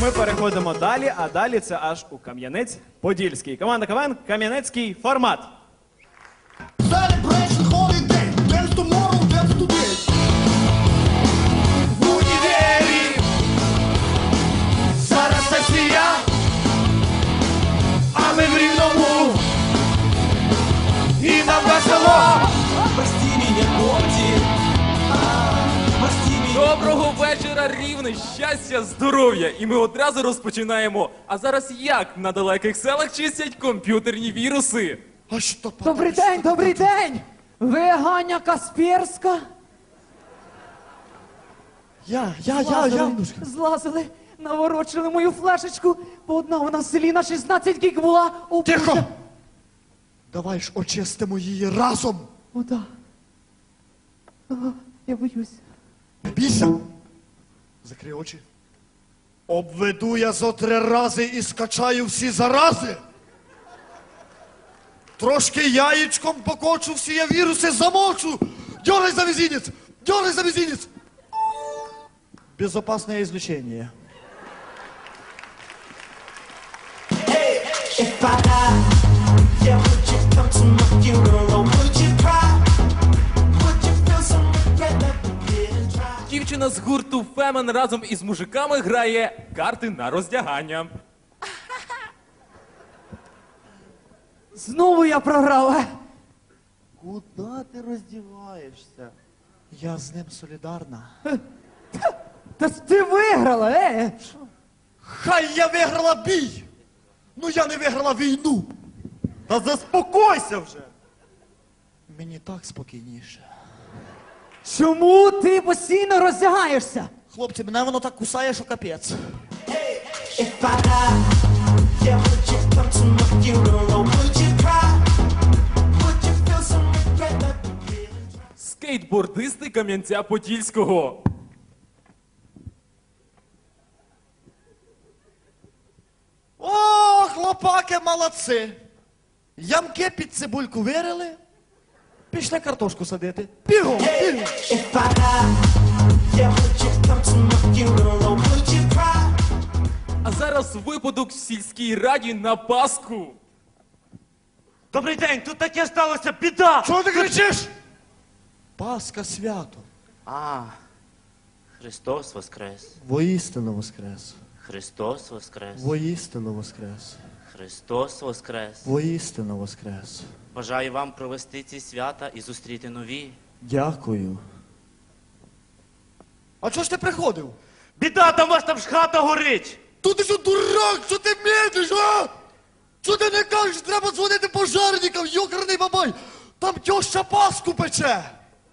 ми переходимо далі, а далі це аж у Кам'янець-Подільський. Команда КВН «Кам'янецький формат». Celebration holiday, dance tomorrow, dance today. В універі зараз сесія, а ми в Рівному, і нам весело. Доброго вечора, Рівне, щастя, здоров'я! І ми одразу розпочинаємо. А зараз як на далеких селах чистять комп'ютерні віруси? А що Добрий день, добрий день! Ви Ганя Касперська? Я. Злазили, наворочили мою флешечку, бо одна вона в селі на 16 гіг була. О, Тихо! Боже. Давай ж очистимо її разом. О, да. Ага, я боюсь. Не бійся. Закрий очі. Обведу я зо 3 рази і скачаю всі зарази. Трошки яєчком покочу, всі я віруси замочу. Дергай за мизинец, дергай за мизинец. Безопасное излучение. If I die, yeah, would you come to my funeral? Would you cry? Would you feel some regret that we didn't try? Дівчина з гурту Фемен разом із мужиками грає карти на роздягання. Знову я програв. Куда ти роздіваєшся? Я з ним солідарна. Та ти виграла, Хай я виграла бій! Ну я не виграла війну! Та заспокойся вже! Мені так спокійніше. Чому ти постійно роздягаєшся? Хлопці, мене воно так кусає, що капець. If I die, yeah, would you come to my funeral? Would you cry? Would you feel some regret that we didn't try? Скейтбордисти Кам'янця-Подільського. О, хлопаки, молодці! Ямки під цибульку вирили, пішли картошку садити. Бігом, бігом! If I die, yeah, would you come to my funeral? Would you cry? А зараз випадок в сільській раді на Пасху. Добрий день, тут таке сталося, біда! Чого ти кричиш? Пасха свято. А, Христос воскрес! Воістину воскрес. Христос воскрес! Воістину воскрес. Христос воскрес! Воістину воскрес. Бажаю вам провести ці свята і зустріти нові. Дякую. А чого ж ти приходив? Біда, там вас там ж хата горить! Тут ти що, дурак, що ти медиш, а? Що ти не кажеш, треба дзвонити пожарникам, йокарний бабай. Там тьоща Пасху пече.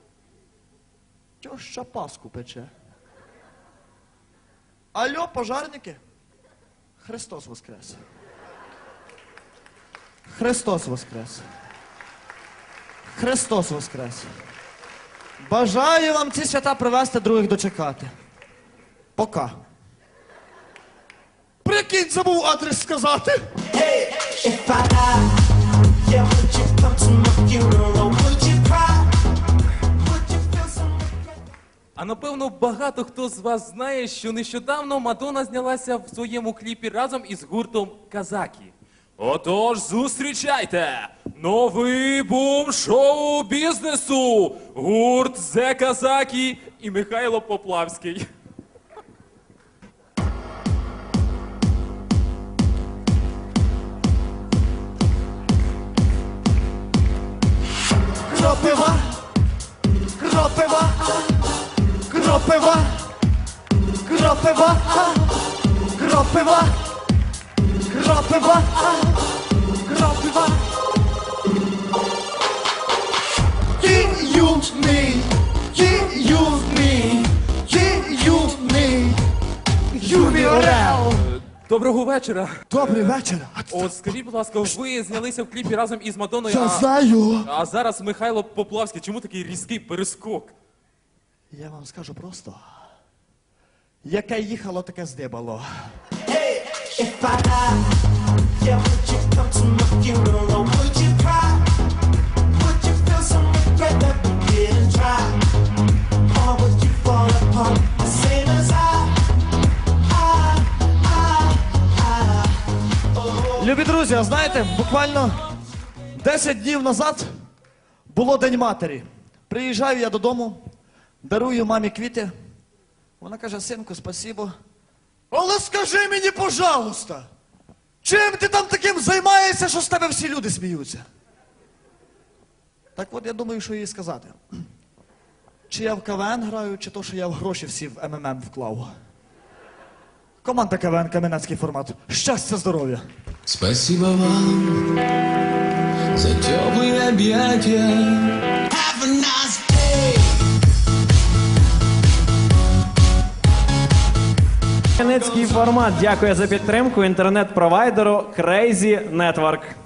Тьоща Пасху пече. Алло, пожарники? Христос воскрес. Христос воскрес. Христос воскрес. Бажаю вам ці свята привести, других дочекати. Пока. Прикинь, забув адрес сказати. If I die, yeah, would you come to my funeral? Would you cry? Would you feel some regret? А напевно багато хто з вас знає, що нещодавно Мадонна знялася в своєму кліпі разом із гуртом Казакі. Отож, зустрічайте! Новий бум шоу-бізнесу! Гурт «Зе Казакі» і Михайло Поплавський. Кропива, кропива, кропива, кропива, кропива, кропива, кропива. Юрій Орел. Доброго вечора. Добрий вечір. От скажіть, будь ласка, ви знялися в кліпі разом із Мадонною, Я знаю. а зараз Михайло Поплавський. Чому такий різкий перескок? Я вам скажу просто. Яке їхало, таке здибало. If I die, yeah, would you come to my funeral? Would you cry? Would you feel some regret that we didn't try? Or would you fall apart the same as I? друзі, а знаєте, буквально 10 днів назад було День матері. Приїжджаю я додому, дарую мамі квіти. Вона каже: синку, спасибо. Але скажи мені, пожалуйста, чим ти там таким займаєшся, що з тебе всі люди сміються? Так от я думаю, що їй сказати. Чи я в КВН граю, чи то, що я в гроші всі в МММ вклав. Команда КВН, Кам'янецький формат. Щастя, здоров'я. Спасибо вам за теплые объятия. Have a nice day. Кам'янецький формат дякує за підтримку інтернет-провайдеру Crazy Network.